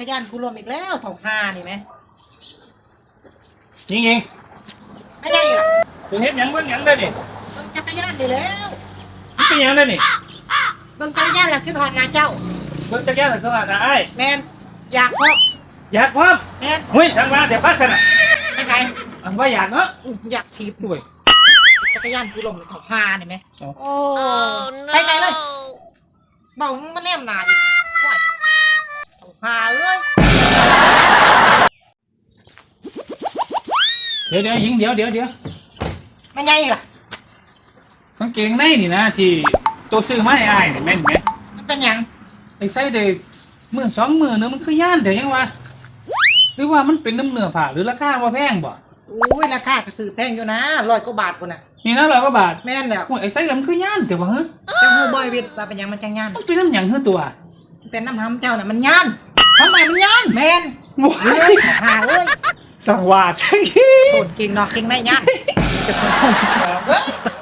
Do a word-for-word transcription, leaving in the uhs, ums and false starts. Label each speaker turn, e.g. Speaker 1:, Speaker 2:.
Speaker 1: รยานกูรวมอีกแล้วเท่าห้านี่ไหม
Speaker 2: ยิงยิง
Speaker 1: ไม่ได้หรอ
Speaker 2: ถึงเห็นยังเบิ่งยังได้นี่
Speaker 1: เบิ่งจักรยานดีแล้ว
Speaker 2: มันเป็นยังได้นี่
Speaker 1: เบิ่งจักรยานแล้วขึ้นหอดนาเจ้า
Speaker 2: เบิ่งจักรยานแล้วก็ว่าไอ้
Speaker 1: แมนอยากพร้อม
Speaker 2: อยากพร้อม
Speaker 1: แมน
Speaker 2: เฮ้ยช่างมาเดี๋ยวพัดสนะ
Speaker 1: ไม่ใช่
Speaker 2: อันว่าอยากเนาะ
Speaker 1: อยากถีบ
Speaker 2: ด้วย
Speaker 1: จักรยานกูลงเท่าห้านี่ไหมโอ้ไปไกลเลยเบามันแนมหนาดิเท่าห้าเอ้ย
Speaker 2: เดี๋ยวเดี๋ยวยิงเดี๋ยวเดี๋ยวเดี๋ยว
Speaker 1: ไม่ใช่ล่ะ
Speaker 2: กางเกงในนี่นะที่ตัวซื้อมาให้อ้ายนี่แม่นไหม
Speaker 1: มันเป็นยัง
Speaker 2: ไอ้ใส่เด็กหมื่นสองหมื่นนึงมันคือย่านเดี๋ยวยังวะหรือว่ามันเป็นน้ำเนื้อผ่าหรือราคาว่าแพงบ่
Speaker 1: อุ้ยราคากระสือแพงอยู่นะร้อยกว่าบาทกูน่ะ
Speaker 2: นี่นะร้อยกว่าบาท
Speaker 1: แม่นแล้ว
Speaker 2: ไอ้ใส่แล้วมันคือย่านเดี๋ยววะเฮ้ย
Speaker 1: เจ้าหูบอยวิทย์ว่าเป็นยังมันจังย่าน
Speaker 2: มันเป็นน้ำหยังเฮ้ยตัว
Speaker 1: เป็นน้ำห้ำเจ้าน่ะมันย่าน
Speaker 2: ทำไมมันย่าน
Speaker 1: แม่นเฮ้ยหาเอ้ย
Speaker 2: สังวาส
Speaker 1: โหดเก่งนอกเก่งในย่าน